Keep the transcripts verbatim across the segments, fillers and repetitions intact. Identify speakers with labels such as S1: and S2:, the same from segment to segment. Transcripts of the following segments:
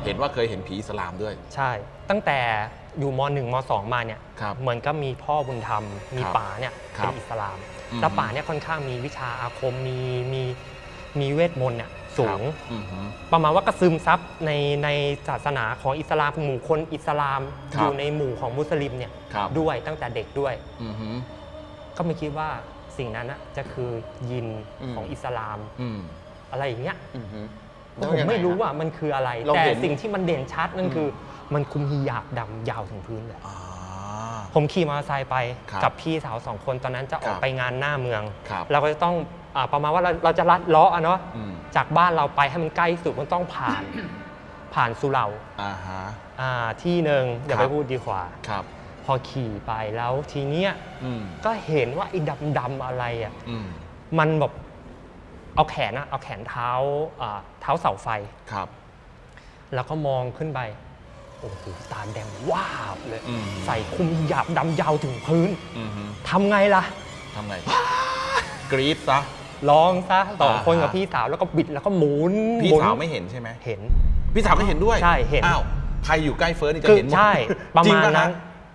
S1: เห็นว่าเคยเห็นผีอิสลามด้วย
S2: ใช่ตั้งแต่อยู่มหนึ่งมสองมาเนี่ยเหมือนก็มีพ่อบุญธรรมมีป๋าเนี่ยเป็นอิสลามแล้วป๋าเนี่ยค่อนข้างมีวิชาอาคมมีมีมีเวทมนต์เนี่ยสูงประมาณว่ากระซึมซับในในศาสนาของอิสลามหมู่คนอิสลามอยู่ในหมู่ของมุสลิมเนี่ยด้วยตั้งแต่เด็กด้วยก็ไม่คิดว่าสิ่งนั้นนะจะคือยินของอิสลามอะไรอย่างเงี้ยผมไม่รู้ว่ามันคืออะไรแต่สิ่งที่มันเด่นชัดนั่นคือมันคุมฮิญาบดำยาวถึงพื้นเลยผมขี่มอเตอร์ไซค์ไปกับพี่สาวสองคนตอนนั้นจะออกไปงานหน้าเมืองเราก็จะต้องประมาณว่าเราเราจะลัดเลาะเนาะจากบ้านเราไปให้มันใกล้สุดมันต้องผ่านผ่านสุเหร่าที่หนึ่งเดี๋ยวไปพูดดีกว่าพอขี่ไปแล้วทีเนี้ยก็เห็นว่าไอ้ดำๆอะไรอ่ะมันแบบเอาแขนนะเอาแขนเท้าเท้าเสาไฟแล้วก็มองขึ้นไปโอ้โหตาแดงว้าวเลยใส่คุมหยาบดำยาวถึงพื้นทำไงล่ะ
S1: ทำไงกรี๊ดซะ
S2: ร้องซะสองคนกับพี่สาวแล้วก็บิดแล้วก็หมุน
S1: พี่สาวไม่เห็นใช่ไหม
S2: เห็น
S1: พี่สาวก็เห็นด้วย
S2: ใช่เห็น
S1: อ้าวใครอยู่ใกล้เฟิร์สนี่จะเห็นหมด
S2: ใช่ประมาณนั้น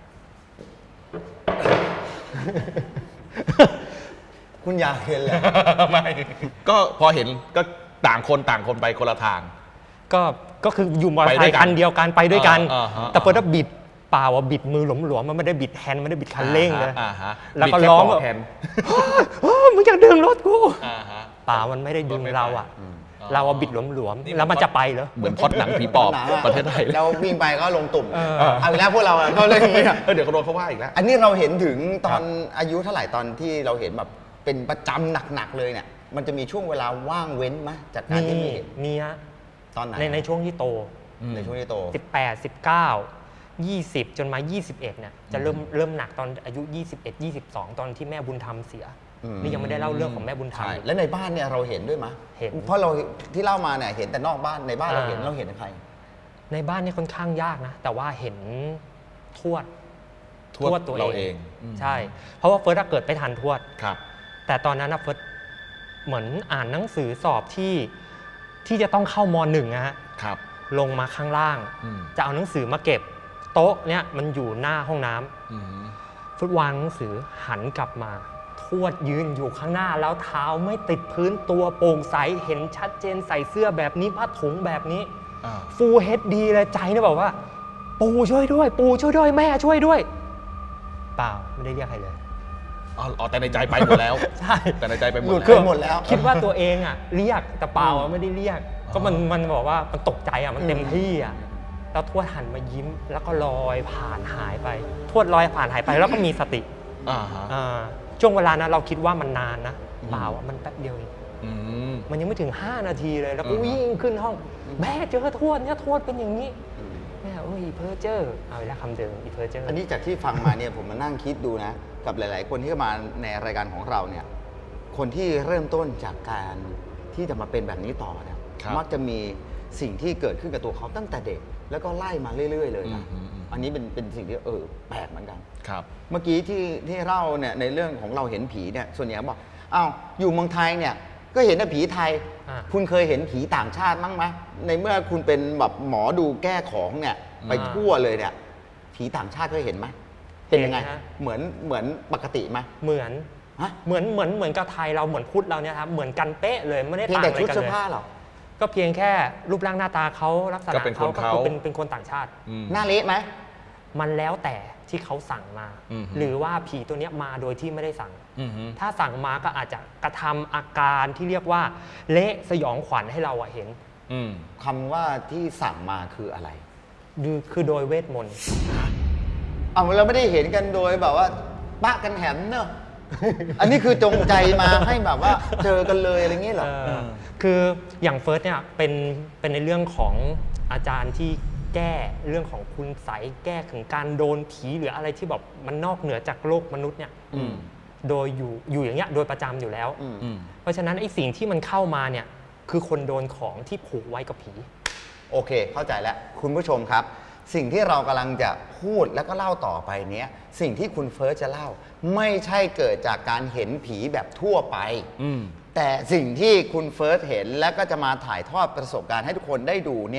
S3: คุณอยากเห็นแหละ
S1: ไม่ก็พอเห็นก็ต่างคนต่างคนไปคนละทาง
S2: ก็ก็คืออยู่มอเตอร์ไซค์คันเดียวกันไปด้วยกันแต่เฟิร์สบิดเปล่าว่าบิดมือหลวมๆมันไม่ได้บิดแฮนด์ไม่ได้บิดคันเร่งเลยแล้วก็ร้องแบบมึงอยากดึงรถกูเปล่ามันไม่ได้ดึงเราอ่ะเราบิดหลวมๆแล้วมันจะไปเหรอ
S1: เหมือนพอดหนังผีปอบประเทศไทย
S3: เราวิ่งไปก็ลงตุ่มเอาอีกแล้วพวกเราก็เลย
S1: เดี๋ยวเขาโดนเขาว่าอีกแล้ว
S3: อันนี้เราเห็นถึงตอนอายุเท่าไหร่ตอนที่เราเห็นแบบเป็นประจำหนักๆเลยเนี่ยมันจะมีช่วงเวลาว่างเว้นไหมจากการที่ไม่เห็น
S2: มีฮะ
S3: ตอนไหน
S2: ในในช่วงที่โต
S3: ในช่วงที่โต
S2: สิบแปด สิบเก้า ยี่สิบจนมายี่สิบเอ็ดเนี่ยจะเริ่มเริ่มหนักตอนอายุยี่สิบเอ็ด ยี่สิบสองตอนที่แม่บุญธรรมเสียนี่ยังไม่ได้เล่าเรื่องของแม่บุญธรรม
S3: แล้วในบ้านเนี่ยเราเห็นด้วยมั้ย
S2: เห็น
S3: เพราะเราที่เล่ามาเนี่ยเห็นแต่นอกบ้านในบ้านเราเห็นเราเห็นใคร
S2: ในบ้านนี่ค่อนข้างยากนะแต่ว่าเห็นทวด
S1: ทวดตัวเอง
S2: ใช่เพราะว่าเฟิร์สเกิดไปทันทวด
S1: ครับ
S2: แต่ตอนนั้นเฟิร์สเหมือนอ่านหนังสือสอบที่ที่จะต้องเข้ามหนึ่งนะฮะ
S1: ครับ
S2: ลงมาข้างล่างจะเอาหนังสือมาเก็บโต๊ะเนี่ยมันอยู่หน้าห้องน้ำฟุตวางหนังสือหันกลับมาทวดยืนอยู่ข้างหน้าแล้วเท้าไม่ติดพื้นตัวโปร่งใสเห็นชัดเจนใส่เสื้อแบบนี้ผ้าถุงแบบนี้ฟูลเฮดดีเลยใจเนี่ยบอกว่าปู่ช่วยด้วยปู่ช่วยด้วยแม่ช่วยด้วยเปล่าไม่ได้เรียกใครเลย
S1: อ๋อแต่ในใจไปหมดแล้ว
S2: ใช่
S1: แต่ในใจไปหม
S3: ดแล้ว
S2: คิดว่าตัวเองอ่ะเรียกแต่เปล่าไม่ได้เรียกก็มันมันบอกว่ามันตกใจอ่ะมันเต็มที่อ่ะแล้วทวดหันมายิ้มแล้วก็ลอยผ่านหายไปทวดลอยผ่านหายไปแล้วก็มีสติช่วงเวลานั้นเราคิดว่ามันนานนะเปล่ามันแป๊บเดียวเองมันยังไม่ถึงห้านาทีเลยแล้วก็วิ่งขึ้นห้องแม่เจอทวดเนี่ยทวดเป็นอย่างนี้แม่โอ้ยเพอเจอร์เอาละคำเดิมอีเพอเจอร์
S3: อันนี้จากที่ฟังมาเนี่ยผมมานั่งคิดดูนะกับหลายๆคนที่มาในรายการของเราเนี่ยคนที่เริ่มต้นจากการที่จะมาเป็นแบบนี้ต่อเนี่ยมักจะมีสิ่งที่เกิดขึ้นกับตัวเขาตั้งแต่เด็กแล้วก็ไล่มาเรื่อยๆเลยนะอันนี้เป็นเป็นสิ่งที่เออแปลกเหมือนกัน
S1: ครับ
S3: เมื่อกี้ที่ที่เล่าเนี่ยในเรื่องของเราเห็นผีเนี่ยส่วนใหญ่บอกอ้าวอยู่เมืองไทยเนี่ยก็เห็นแต่ผีไทยคุณเคยเห็นผีต่างชาติมั้งไหมในเมื่อคุณเป็นแบบหมอดูแก้ของเนี่ยไปทั่วเลยเนี่ยผีต่างชาติเคยเห็นไหมเป็นยังไงเหมือนเหมือนปกติไหม
S2: เหมือนเหมือนเหมือนเหมือนกับไทยเราเหมือนพุทธเราเนี่ยครับเหมือนกันเป๊ะเลยไม่ได้ต่างอะไรกันเลย
S3: เพียงแต่ชุดเสื้อผ้าหรอ
S2: ก็เพียงแค่รูปร่างหน้าตาเขาลักษณะเขาก็คือเป็นเป็นคนต่างชาติ
S3: หน้าเละไหม
S2: มันแล้วแต่ที่เขาสั่งมาหรือว่าผีตัวนี้มาโดยที่ไม่ได้สั่งถ้าสั่งมาก็อาจจะกระทำอาการที่เรียกว่าเละสยองขวัญให้เราเห็น
S3: คำว่าที่สั่งมาคืออะไร
S2: คือโดยเวทมนต์
S3: เอาเราไม่ได้เห็นกันโดยแบบว่าปะกันแหมเนอะอันนี้คือจงใจมาให้แบบว่าเจอกันเลยอะไรเงี้ยเหรอ
S2: คืออย่างเฟิร์สเนี่ยเป็นเป็นในเรื่องของอาจารย์ที่แก้เรื่องของคุณไสยแก้ถึงการโดนผีหรืออะไรที่แบบมันนอกเหนือจากโลกมนุษย์เนี่ยโดยอยู่อยู่อย่างเงี้ยโดยประจำอยู่แล้วเพราะฉะนั้นไอ้สิ่งที่มันเข้ามาเนี่ยคือคนโดนของที่ผูกไว้กับผี
S3: โอเคเข้าใจแล้วคุณผู้ชมครับสิ่งที่เรากำลังจะพูดแล้วก็เล่าต่อไปเนี้ยสิ่งที่คุณเฟิร์สจะเล่าไม่ใช่เกิดจากการเห็นผีแบบทั่วไปแต่สิ่งที่คุณเฟิร์สเห็นแล้วก็จะมาถ่ายทอดประสบการณ์ให้ทุกคนได้ดูเนี่ย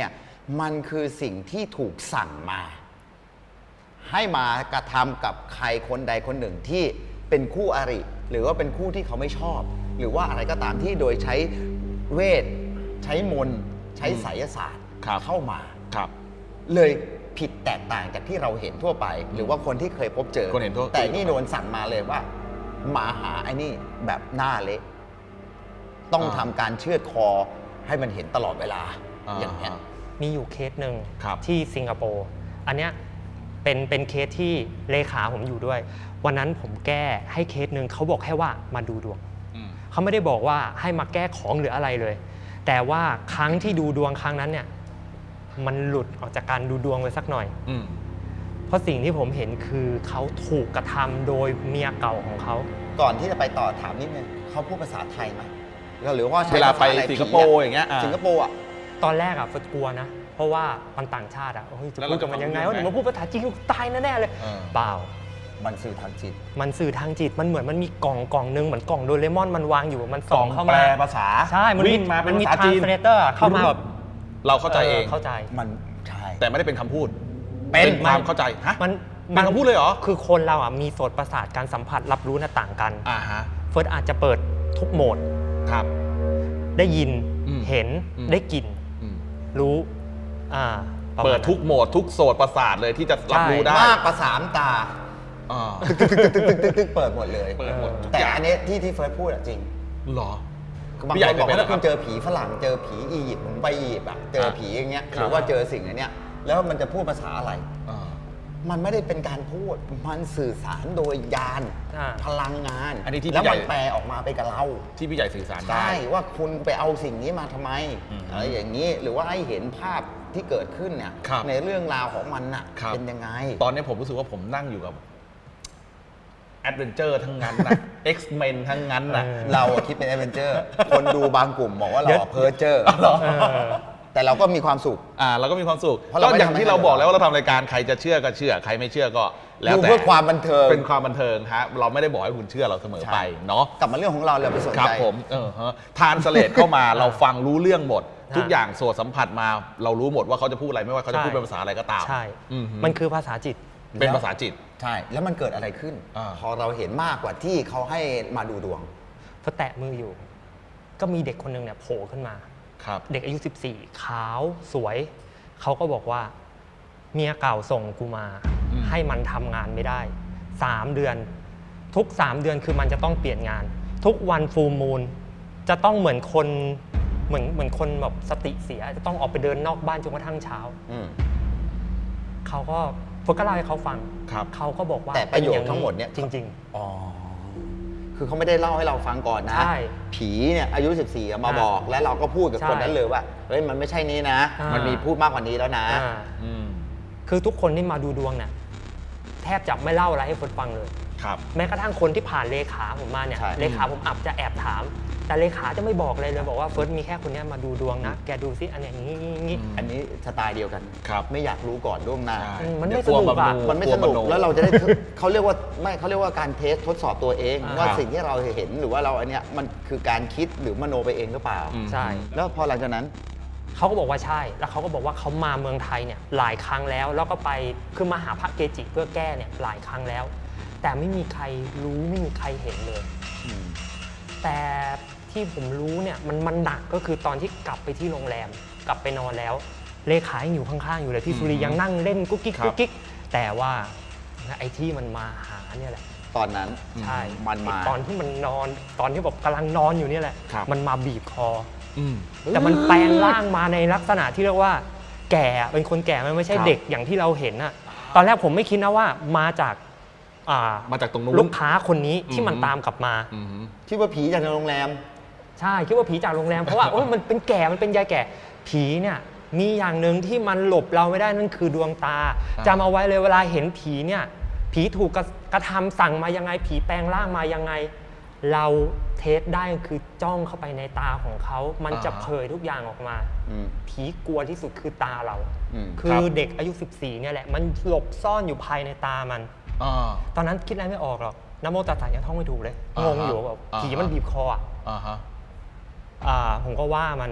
S3: มันคือสิ่งที่ถูกสั่งมา ให้มากระทำกับใครคนใดคนหนึ่งที่เป็นคู่อริ หรือว่าเป็นคู่ที่เขาไม่ชอบ หรือว่าอะไรก็ตามที่โดยใช้เวท ใช้มนต์ใช้ไสยศาสตร์
S1: ครับ
S3: เข้ามา
S1: ครับ
S3: เลยผิดแตกต่างจากที่เราเห็นทั่วไป หรือว่าคนที่เคยพบเจอ
S1: คนเห็นทั่ว
S3: แต่นี่โดนสั่งมาเลยว่ามาหาไอ้นี่แบบหน้าเละต้องทำการเชือดคอให้มันเห็นตลอดเวลาอย่างเงี้ย
S2: มีอยู่เคสหนึ่ง
S1: ครับ
S2: ที่สิงคโปร์อันเนี้ยเป็นเป็นเคสที่เลขาผมอยู่ด้วย วันนั้นผมแก้ให้เคสหนึ่งเขาบอกแค่ว่ามาดูดวง
S1: อืม
S2: เขาไม่ได้บอกว่าให้มาแก้ของหรืออะไรเลย แต่ว่าครั้งที่ดูดวงครั้งนั้นเนี่ยมันหลุดออกจากการดูดวงไปสักหน่อย
S1: อืม
S2: เพราะสิ่งที่ผมเห็นคือเขาถูกกระทำโดยเมียเก่าของเขา
S3: ก่อนที่จะไปต่อถามนิดนึงเขาพูดภาษาไทยไหมหรือว่าใช้
S1: เวลาไป
S3: ภษอะร
S1: สิงคโปร์อย่างเงี้ยอ่า
S3: สิงคโปร์อ่ะ
S2: ตอนแรกอะเฟิร์สกลัวนะ เพราะว่ามันต่างชาติอะเฮ้ยจะ
S1: แล้ว
S2: พู
S1: เรา
S2: ดกับมันยังไง
S1: จะฟัง
S2: ว่าเดี๋ยวมาพูดภาษาจีนกูตายแน่ๆเลย
S1: เออ
S2: เปล่า
S3: มันสื่อทางจิต
S2: มันสื่อทางจิตมันเหมือนมันมีกล่องกล่องหนึงเหมือนกล่องโดเรมอนมันวางอยู่มัน
S1: ก
S2: ส่
S1: ล่
S2: อ
S1: อง ง
S2: เข้า
S1: แปล
S2: มา
S1: ภาษา
S2: ใช่มัน
S1: วิ่งมาเป็น
S2: มี
S1: ภาษาจีน
S2: translator เข้ามาแบบ
S1: เราเข้าใจเอง
S2: เข้าใจ
S3: มันใช่
S1: แต่ไม่ได้เป็นคำพูด
S3: เป็น
S1: ความเข้าใจฮะ
S2: มัน
S1: เป็นคำพูดเลยเหรอ
S2: คือคนเราอ่ะมีโสตประสาทการสัมผัสรับรู้น่ะต่างกัน
S1: อ่าฮะ
S2: เฟิร์สอาจจะเปิดทุกโหมด
S1: ครับ
S2: ได้ยิน
S1: อืม
S2: เห็น
S1: อืม
S2: ได้กลิ่น
S1: อืม
S2: รู้อ่าประมาณ
S1: เปิดทุก
S2: นั้น
S1: โหมดทุกโสตประสาทเลยที่จะรับรู้ได้
S3: มากประสามตา
S1: อ่า
S3: ตึกตึกตึกตึกตึกตึกเปิดหมดเลย
S1: เปิดหมดทุก
S3: แต่
S1: อย่าง
S3: อันนี้ที่ที่เฟิร์สพูดอะจริง
S1: เหรอ
S3: บาง
S1: พี่ใหญ่
S3: คนบอก
S1: เป็นไหม
S3: ว่าถ้าคุณ
S1: ครับ
S3: เจอผีฝรั่งเจอผีอียิปต์ผมไปอียิปต์อะเจอผีอย่างเงี้ย
S1: ครับ
S3: หรือว่าเจอสิ่งอันเนี้ยแล้วมันจะพูดภาษาอะไร
S1: อ่า
S3: มันไม่ได้เป็นการพูด มันสื่อสารโดยยาน
S2: อ่า
S3: พลังงาน
S1: อันนี้ที่
S3: แล้ว
S1: พี่ใหญ่
S3: มันแปลออกมาเป็นกับเรา
S1: ที่พี่ใหญ่สื่อสารได้
S3: ใช่ว่าคุณไปเอาสิ่งนี้มาทำไม
S1: อืม
S3: อะไรอย่างนี้หรือว่าให้เห็นภาพที่เกิดขึ้นเนี่ย
S1: ครับ
S3: ในเรื่องราวของมันน่ะ
S1: ครับ
S3: เป็นยังไง
S1: ตอนนี้ผมรู้สึกว่าผมนั่งอยู่กับแอดเวนเจอร์ทั้งนั้นนะ X-Men ทั้งนั้นนะ
S2: เออ
S3: เราอะคิดเป็นแอดเวนเจอร์ คนดูบางกลุ่มบอกว่าเรา
S2: เดี๋ยว
S3: เพอร์เจอร์
S2: เออ
S3: แต่เราก็มีความสุข
S1: อ่าเราก็มีความสุข
S3: เพราะเรา
S1: ก็
S3: ไม่
S1: อย่าง
S3: ทำให้
S1: ที่เรา
S3: ใคร
S1: บอกแล้ว
S3: เดือดร้อน
S1: ว่าเราทำรายการใครจะเชื่อก็เชื่อ ใครไม่เชื่อก็ แล้ว
S3: ดู
S1: แต่
S3: เพื่อความบันเทิง
S1: เป็นความบันเทิงฮะเราไม่ได้บอกให้คุณเชื่อเราเสมอไป
S3: ใช่
S1: เนาะ
S3: กลับมาเรื่องของเราเราไปสน
S1: ครับ
S3: ใจ
S1: ผมเออฮะทานสเลดเข้ามา เราฟังรู้เรื่องหมด
S2: ฮะ
S1: ทุกอย่างส่วนสัมผัสมา เรารู้หมดว่าเขาจะพูดอะไรไม่ว่าเขาจะพูดเป็นภาษาอะไรก็ตาม
S2: ใช่
S1: อือฮึ
S2: มันคือภาษาจิต
S1: เป็นภาษาจิต
S3: ใช่ แล้วมันเกิดอะไรขึ้น
S1: อ่า
S3: พอเราเห็นมากกว่าที่เขาให้มาดูดวง
S2: พอแตะมืออยู่ ก็มีเด็กคนหนึ่งเนี่ยโผล่ขึ้นมา
S1: ครับ
S2: เด็กอายุ สิบสี่ ขาวสวย เขาก็บอกว่าเมียเก่าส่งกูมา
S1: อืม
S2: ให้มันทำงานไม่ได้ สาม เดือน ทุก สาม เดือนคือมันจะต้องเปลี่ยนงาน ทุกวันฟูลมูนจะต้องเหมือนคนเหมือนเหมือนคนแบบสติเสีย จะต้องออกไปเดินนอกบ้านจนกระทั่งเช้า
S3: อืม
S2: เขาก็ฟกก็เล่าให้เขาฟัง
S1: ครับ
S2: เขาก็บอกว่า
S3: แต่ประโยค
S2: ป็อา
S3: ทั้งหมดเนี่ย
S2: จริง
S3: อ๋อ คือเขาไม่ได้เล่าให้เราฟังก่อนนะ
S2: ใช่
S3: ผีเนี่ยอายุ สิบสี่อะมา
S2: อ่า
S3: บอก แล้วเราก็พูดกับ
S2: ใช่
S3: คนนั้นเลยว่า เฮ้ย มันไม่ใช่นี้นะ
S2: อ่ามั
S3: มันมีพูดมากกว่านี้แล้วนะ
S2: ๆอ่า
S1: อืม
S2: คือทุกคนที่มาดูดวงเนี่ยแทบจะไม่เล่าอะไรให้คนฟังเลย
S1: ครับ
S2: แม้กระทั่งคนที่ผ่านเลขาผมมาเนี่ย
S3: ใช่
S2: เลขาผมอับจะแอบถาม แต่เลขาจะไม่บอกเลยเลยบอกว่าเฟิร์สมีแค่คนเนี้ยมาดูดวงนะ แกดูซิอันเนี้ยอย่างนี้อย่างนี้
S1: อืม
S3: อันนี้สไตล์เดียวกัน
S1: ครับ
S3: ไม่อยากรู้ก่อนล่วงหน้า
S1: ใช่
S2: อืมมันไม่
S1: เดี๋ยว
S2: สนุกอะ
S1: ลัว
S3: มันไม่ส
S1: ก
S3: นุ
S1: โ
S3: กแล้วเราจะได้ เขาเรียกว่าไม่เขาเรียกว่าการเทสทดสอบตัวเอง
S2: อ่า
S3: ว่า
S1: ครับ
S3: สิ่งที่เราเห็นหรือว่าเราอันเนี้ยมันคือการคิดหรือมโนไปเองหรือเปล่า
S1: อืม
S2: ใช่
S3: แล้วพอหลังจากนั้น
S2: เขาก็บอกว่าใช่ แล้วเขาก็บอกว่าเขามาเมืองไทยเนี่ยหลายครั้งแล้ว แล้วก็ไปคือมาหาพระเกจิเพื่อแก้เนี่ยหลายครั้งแล้ว แต่ไม่มีใครรู้ไม่มีใครเห็นเลย
S3: อืม
S2: แต่ที่ผมรู้เนี่ยมันมันหนักก็คือตอนที่กลับไปที่โรงแรม กลับไปนอนแล้ว เลขายังอยู่ข้างๆอยู่เลยพี่สุริยังนั่งเล่นกุ๊กกิ๊ก
S1: ครับ
S2: กุ๊กกิ๊กแต่ว่าไอ้ที่มันมาหาเนี่ยแหละ
S3: ตอนนั้น
S2: ใช่
S3: มันมา
S2: ตอนที่มันนอนตอนที่แบบกำลังนอนอยู่เนี่ยแหละ
S1: ครับ
S2: มันมาบีบคอ
S1: อืม
S2: แต่มันแปลงร่างมาในลักษณะที่เรียกว่า แก่เป็นคนแก่มันไม่ใช่
S1: ครับ
S2: เด็กอย่างที่เราเห็นอะตอนแรกผมไม่คิดนะว่ามาจากอ่า
S1: มาจากตรงนู้น
S2: ลูกค้าคนนี้ที่มัน
S1: อืม
S2: ตามกลับมา
S1: อืม
S3: ที่ว่าผีจากในโรงแรม
S2: ใช่คิดว่าผีจากโรงแรม เพราะว่าโอ้ยมันเป็นแก่มันเป็นยายแก่ผีเนี่ยมีอย่างหนึ่งที่มันหลบเราไม่ได้นั่นคือดวงตา
S1: อ่า
S2: จำเอาไว้เลยเวลาเห็นผีเนี่ยผีถูกกระกระทำสั่งมายังไง ผีแปลงร่างมายังไง เราเทสได้คือจ้องเข้าไปในตาของเขา มันจะเผยทุกอย่างออกมา
S3: อืม
S2: ผีกลัวที่สุดคือตาเรา
S3: อืม
S2: คือเด็กอายุ สิบสี่เนี่ยแหละมันหลบซ่อนอยู่ภายในตามัน
S1: อ่า
S2: ตอนนั้นคิดอะไรไม่ออกหรอกนะโมตัสสะยังท่องไม่ถูกเลย
S1: อ่าง
S2: งอยู่แบบ
S1: อ่า
S2: ผีมันบีบคออ่ะ
S1: อ่าฮะ
S2: อ่าผมก็ว่ามัน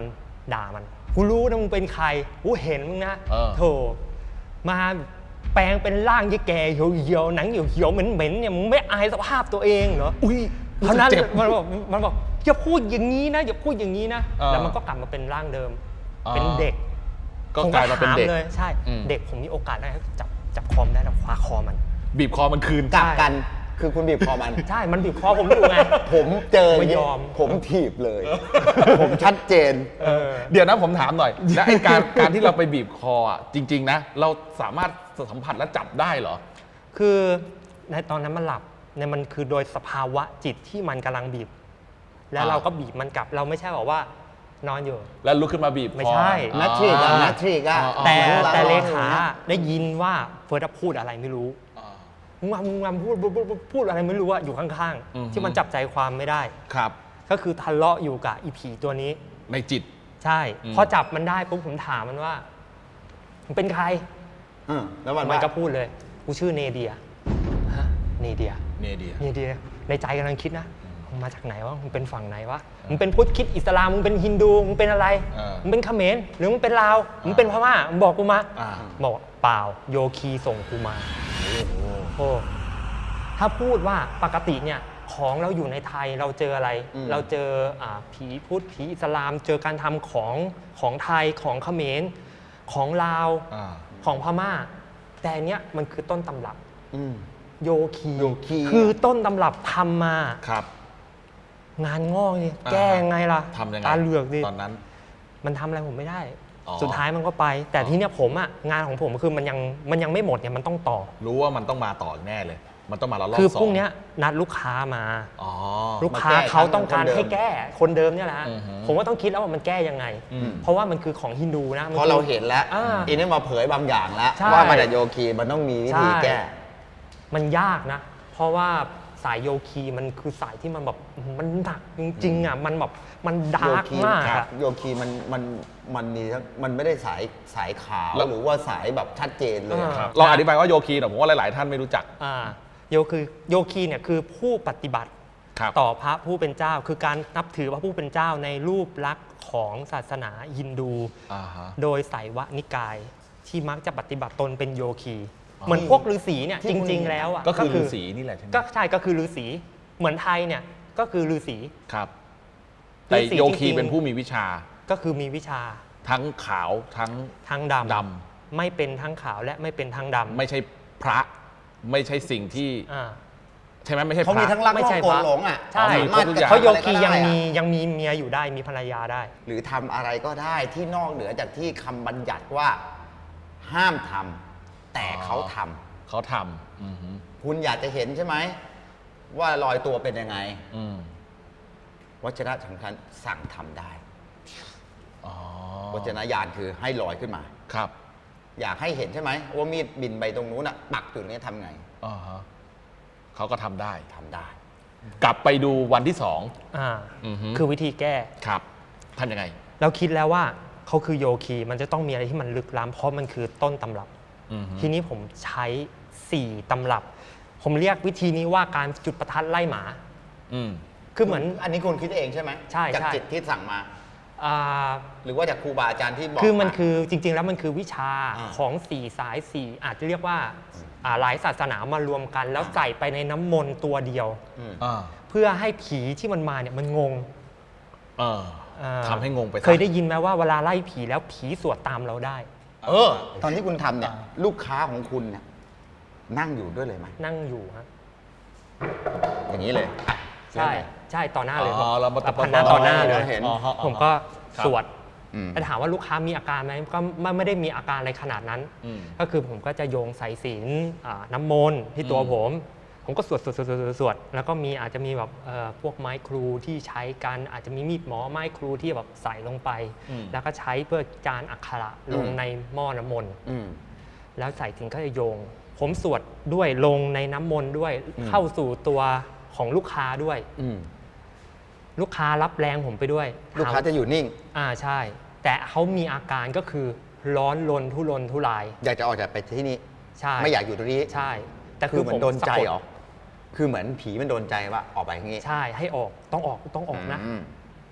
S2: ด่ามันกูรู้นะมึงเป็นใครกูเห็นมึงนะ
S1: เออ
S2: โธ่มาแปลงเป็นร่างยี่แก่เหี่ยวๆหนังเหี่ยวๆเหม็นๆเนี่ยมึงไม่อายสภาพตัวเองเหรอ
S1: อุ้ย
S2: เท่านั้น
S1: เจ็บ
S2: มันบอกมันบอกอย่าพูดอย่างนี้นะอย่าพูดอย่างนี้นะ
S1: เออ
S2: แล้วมันก็กลับมาเป็นร่างเดิม
S1: อ๋อ
S2: เป็นเด็ก
S1: ก็กลายมาเป็นเด็ก
S2: ผถเลยใช่
S1: อืม
S2: เด็กผมมีโอกาสได้จับจับคอมได้แล้วคว้าคอมัน
S1: บีบคอมันคืน
S3: กลับกันคือคุณบีบคอมัน
S2: ใช่มันบีบคอผมอยู่ไง
S3: ผมเจอ
S2: ไม่ยอม
S3: ผมถีบเลย ผมชัดเจน
S2: เออ
S1: เดี๋ยวนะผมถามหน่อย แล้วไอ้การการที่เราไปบีบคออ่ะจริง ๆ นะ เราสามารถสัมผัสและจับได้เหรอ
S2: คือในตอนนั้นมันหลับเนี่ยมันคือโดยสภาวะจิตที่มันกำลังบีบ แล้ว
S1: อ่า
S2: เราก็บีบมันกลับเราไม่ใช่บอกว่านอนอยู่
S1: แล้วลุกขึ้นมาบีบคอ
S2: ไม่ใช่
S3: นัททริกอะนัททริกอะ
S1: อ๋อ
S2: แต่
S3: เหมือน
S2: แต่เล
S3: ร
S2: ขา
S3: อยู่นี่ย
S2: ได้ยินว่าเฟิร์สพูดอะไรไม่รู้
S1: อ่า
S2: มึงมามึงมาพูดพูดพูดพูดอะไรไม่รู้อะอยู่ข้าง
S1: อือฮึ
S2: ๆ ที่มันจับใจความไม่ได้
S1: ครับ
S2: ก็คือทะเลาะอยู่กับอีผีตัวนี้
S1: ในจิต
S2: ใช่
S1: อืม
S2: พอจับมันได้ปุ๊บผมถามมันว่ามึงเป็นใคร
S3: อืมแล้วมัน
S2: มัน
S3: ว่า
S2: ก็พูดเลยกูชื่อเนเดียฮะเนเดีย
S1: เนเดีย
S2: เนเดียในใจกำลังคิดนะมึงมาจากไหนวะมึงเป็นฝั่งไหนวะมึงเป็นพุทธคริดอิสลามมึงเป็นฮินดูมึงเป็นอะไร
S1: เออ
S2: มึงเป็นเขมรหรือมึงเป็นลาวมึงเป็นพม่ามึงบอกกูมา
S1: อ่า
S2: บอกเปล่าโยคีส่งกูมา โอ้ถ้าพูดว่าปกติเนี่ยของเราอยู่ในไทยเราเจออะไร
S3: อืม
S2: เราเจออ่าผีพุทธผีอิสลาม เจอการทำของของไทยของเขมรของลาว
S1: อ่า
S2: ของพม่า แต่อันเนี้ยมันคือต้นตำรับ
S3: อืม
S2: โยคี
S3: โยคี
S2: คือต้นตำรับทำมา
S1: ครับ
S2: งานงอกนี่
S1: อ่า
S2: แก้ยังไงล่ะ
S1: ทำยังไง
S2: ตาเหลือกดิ
S1: ตอนนั้น
S2: มันทำอะไรผมไม่ได้
S1: อ๋อ
S2: สุดท้ายมันก็ไป แต่ที่เนี้ยผมอะงานของผมคือมันยังมันยังไม่หมดเนี่ยมันต้องต่อ
S1: รู้ว่ามันต้องมาต่อแน่เลย มันต้องมาแล้วรอบ
S2: คือ
S1: สอง
S2: พรุ่งเนี้ยนัดลูกค้ามา
S1: อ๋อ
S2: ลูกค้า
S3: มาแก้
S2: เขาต้องการ
S3: คนเดิม
S2: ให้แก้คนเดิมเนี่ยแหละฮะ
S1: อือฮึ
S2: ผมว่าต้องคิดแล้วว่ามันแก้ยังไง
S1: อืม
S2: เพราะว่ามันคือของฮินดูนะมัน
S3: เพราะ
S2: คือ
S3: เราเห็นแล้ว
S2: อ่า
S3: อีนี่มาเผยบางอย่างแล้ว
S2: ใช่
S3: ว่ามันแต่โยคีมันต้องมีวิธี
S2: ใช่
S3: แก้
S2: มันยากนะ เพราะว่าสายโยคีมันคือสายที่มันแบบมันหนักจริงๆอ่ะมันแบบมันดาร์ก
S3: โยคี
S2: มาก
S3: ครั
S2: อ่ะ
S3: บโยคีมันมันมันมีทั้งมันไม่ได้สายสายขาว
S1: แล้ว
S3: หรือว่าสายแบบชัดเจนเลย
S2: อ่า
S1: ครับเราอธิบายว่าโยคีหน่อยผมว่าหลาย ๆ ท่านไม่รู้จัก
S2: อ่าโยคือโยคีเนี่ยคือผู้ปฏิบัติ
S1: ครับ
S2: ต่อพระผู้เป็นเจ้า คือการนับถือพระผู้เป็นเจ้าในรูปลักษณ์ของศาสนาฮินดู
S1: อ่าฮะ
S2: โดยไสยวนิกายที่มักจะปฏิบัติตนเป็นโยคี
S1: อ๋อ
S2: เหมือนพวกฤาษีเนี่ย
S3: ที่
S2: จ
S3: คุณ
S2: ริง ๆ แล้วอ่ะ
S1: ก็คือฤาษีนี่แหละใช่ไหม
S2: ก็ใช่ก็คือฤาษีเหมือนไทยเนี่ยก็คือฤาษี
S1: ครับ แต่
S2: ฤาษี
S1: โยคี
S2: จริงๆ
S1: เป็นผู้มีวิชา
S2: ก็คือมีวิชา
S1: ทั้งขาวทั้ง
S2: ทั้งดำ
S1: ด
S2: ไม่เป็นทั้งขาวและไม่เป็นทั้งดำ
S1: ไม่ใช่พระ ไม่ใช่สิ่งที่
S2: อ่า
S1: ใช่ไหมไม่ใช่พ
S3: เขา
S1: ระ
S3: มีทั้งรัก
S2: ไม่
S3: โล
S2: ใช่
S3: กโก
S2: พ
S3: น
S2: ระ
S3: หลงอ่ะ
S2: ใช่
S1: มีครบทุกอย่าง
S2: เพราะโยคี
S3: อะไรก็
S2: ยัง
S3: ได้
S2: มี
S3: อะ
S2: ยังมีเมียอยู่ได้มีภรรยาได้
S3: หรือทำอะไรก็ได้ที่นอกเหนือจากที่คำบัญญัติว่าห้ามทำแต่เขาทำ
S1: เขาทำอือฮึ
S3: คุณอยากจะเห็นใช่ไหมว่าลอยตัวเป็นยังไง
S1: อืม
S3: วัชระสำคัญสั่งทำได้
S1: อ๋อ
S3: วัชระญาณคือให้ลอยขึ้นมา
S1: ครับ
S3: อยากให้เห็นใช่ไหมว่ามีดบินไปตรงนู้นอ่ะปักจุดนี้ทำไง
S1: อ่าฮะเขาก็ทำได้
S3: ทำได้
S1: กลับไปดูวันที่สอง
S2: อ่า
S1: อือฮึ
S2: คือวิธีแก้
S1: ครับทำยังไง
S2: เราคิดแล้วว่าเขาคือโยคีมันจะต้องมีอะไรที่มันลึกล้ำเพราะมันคือต้นตำรับ
S1: อือฮึ
S2: ทีนี้ผมใช้สี่ตำรับ ผมเรียกวิธีนี้ว่าการจุดประทัดไล่หมา
S1: อืม
S2: คือเหมือน
S3: อันนี้คุณคิดเองใช่ไหม
S2: ใช่
S3: จาก
S2: ใช่
S3: จิตที่สั่งมา
S2: อ่า
S3: หรือว่าจากครูบาอาจารย์ที่บอก
S2: คือมัน
S3: า
S2: คือจริง ๆ แล้วมันคือวิชา
S3: อ่า
S2: ของสี่สายสี่อาจจะเรียกว่าอ่าหลายศาสนามารวมกัน แล้วใส่ไปในน้ำมนต์ตัวเดียว
S3: ม
S1: อ่า
S2: เพื่อให้ผีที่มันมาเนี่ยมันงง
S1: เออ
S2: อ่า
S1: ทำให้งงไปซะ
S2: เคยได้ยินไหมว่าเวลาไล่ผีแล้วผีสวดตามเราได้
S3: เออ ตอนที่คุณทำเนี่ย ลูกค้าของคุณเนี่ยนั่งอยู่ด้วยเลยไหม
S2: นั่งอยู่ฮะ
S3: อย่างนี้เลยอ่ะ
S2: ใช่ใช่ต่อหน้าเลย
S1: อ๋อเรามา
S2: แบบพันหน้าต่อหน้าเลย
S3: เห็น
S1: อ๋อฮะ
S2: ผมก็
S1: ครับ
S2: สวด
S3: อืม
S2: แต่ถามว่าลูกค้ามีอาการไหมก็ไม่ไม่ได้มีอาการอะไรขนาดนั้น
S1: อืม
S2: ก็คือผมก็จะโยงสายศีลอ่าน้ำมนต์ที่ตัว
S1: อืม
S2: ผม ผมก็สวดสวดสวดสวดสวดสวดแล้วก็มีอาจจะมีแบบเอ่อพวกไม้ครูที่ใช้กันอาจจะมีมีดหมอไม้ครูที่แบบใส่ลงไป
S1: อืม
S2: แล้วก็ใช้เพื่อจานอักขระลง
S3: อืม
S2: ในหม้อน้ำมนต์
S3: อืม
S2: แล้วใส่ถึงก็จะโยง ผมสวดด้วยลงในน้ำมนต์ด้วย
S3: อืม
S2: เข้าสู่ตัวของลูกค้าด้วย
S3: อืม
S2: ลูกค้ารับแรงผมไปด้วย
S3: ลูกค้าจะอยู่นิ่ง
S2: อ่าใช่ แต่เขามีอาการก็คือร้อนรนทุรนทุราย
S3: อยากจะออกจากไปที่นี่
S2: ใช่
S3: ไม่อยากอยู่ตรงนี้
S2: ใช่ แต่
S3: คือเหมือนโดนใจ
S2: สะก
S3: เหรอคือเหมือนผีมันโดนใจว่าออกไปอย่างงี้
S2: ใช่ให้ออกต้องออกต้องออกนะ
S3: ม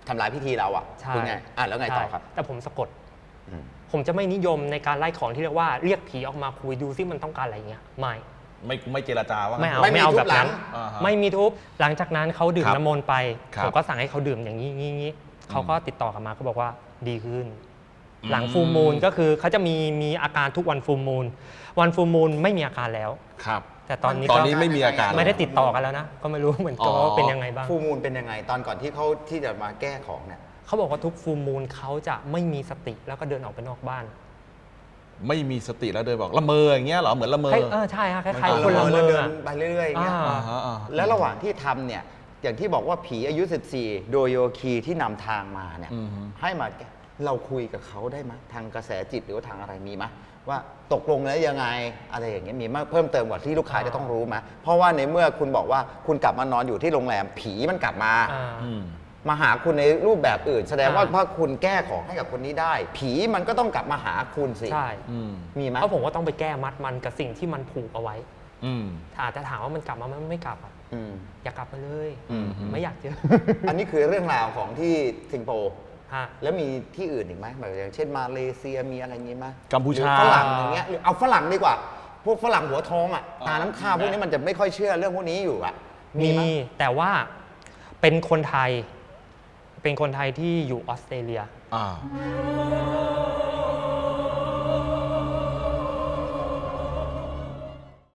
S3: ทำลายพิธีเราอ่ะ
S2: ใช่
S3: คุณไงอ่ะแล้วไงต่อครับ
S2: ใช่แต่ผมสะกด
S3: อืม
S2: ผมจะไม่นิยมในการไล่ของที่เรียกว่าเรียกผีออกมาคุยดูซิมันต้องการอะไรเงี้ยไม่
S1: ไม่ไม่เจรจาว่า
S2: ไม่เอา
S3: ไม่มี
S2: ไม่เอา
S3: ทุบ
S2: แบบนั้น
S3: หลัง
S1: อ่าฮะ
S2: ไม่มีทุบหลังจากนั้นเขาดื่ม
S1: ครับ
S2: น้ำมนต์ไป
S1: ครับ
S2: ผมก็สั่งให้เขาดื่มอย่างนี้งี้งี้เขาก็ติดต่อกลับมาเขาบอกว่าดีขึ้น
S1: อืม
S2: หลังฟูลมูลก็คือเขาจะมีมีอาการทุกวันฟูลมูลวันฟูลมูลไม่มีอาการแล้ว
S1: ครับ
S2: แต่ตอนนี้
S1: ตอน
S2: ก็
S1: นี้ไม่มีอาการ
S2: ไม่ได้ติดต่อกันแล้วนะ ก็ไม่รู้เหมือนกัน
S1: อ๋อ
S2: ว่าเป็นยังไงบ้าง
S3: ฟูมูลเป็นยังไงตอนก่อนที่เขาที่จะมาแก้ของเนี่ย
S2: เขาบอกว่าทุกฟูลมูลเขาจะไม่มีสติแล้วก็เดินออกไปนอกบ้าน
S1: ไม่มีสติแล้วเดินบอกละเมออย่างเงี้ยเหรอเหมือนละเมอ
S2: คล้ายเออใช่ฮะคล้าย
S3: มั
S2: ๆคนละเม
S3: แล้ว
S2: อ
S3: เดิน
S2: อะ
S3: ไปเรื่อยๆอย่างเงี้ย
S2: อ่า
S1: อ่าฮะอ่าฮะ
S3: แล้วระหว่างที่ทำเนี่ยอย่างที่บอกว่าผีอายุ สิบสี่ โดยโยคีที่นำทางมาเนี่ย
S1: อือฮึ
S3: ให้มาแก้เราคุยกับเขาได้ไหมทางกระแสจิตหรือว่าทางอะไรมีไหมว่าตกลงแล้วยังไงอะไรอย่างเงี้ยมีมากเพิ่มเติมกว่าที่ลูกค้าจะต้องรู้ไหมเพราะว่าในเมื่อคุณบอกว่าคุณกลับมานอนอยู่ที่โรงแรมผีมันกลับมา
S2: อ่า
S1: อืม
S3: มาหาคุณในรูปแบบอื่น แสดงว่า
S2: อ่า
S3: ถ้าคุณแก้ของให้กับคนนี้ได้ ผีมันก็ต้องกลับมาหาคุณสิ
S2: ใช่
S1: อืม
S3: มีไหม
S2: เพราะผมก็ต้องไปแก้มัดมันกับสิ่งที่มันผูกเอาไว้
S1: อืม
S2: ถ้าอาจจะถามว่ามันกลับมาไหมมันไม่กลับอ่ะ
S3: อืม
S2: อย่ากลับมาเลย
S3: อืม
S2: ไม่อยากเจอ
S3: อันนี้คือเรื่องราวของที่สิงคโปร์
S2: ฮะ
S3: แล้วมีที่อื่นอีกไหมแบบอย่างเช่นมาเลเซียมีอะไรอย่างงี้ไหม
S1: กัมพูชา
S3: หรือฝรั่งอย่างเงี้ยหรือเอาฝรั่งดีกว่า พวกฝรั่งหัวทองอ่ะตาน้ำข้าวพวกนี้มันจะไม่ค่อยเชื่อเรื่องพวกนี้อยู่อ่ะ
S2: มี
S3: ไห
S2: แต่ว่าเป็นคนไทย เป็นคนไทยที่อยู่ออสเตรเลีย
S1: อ่า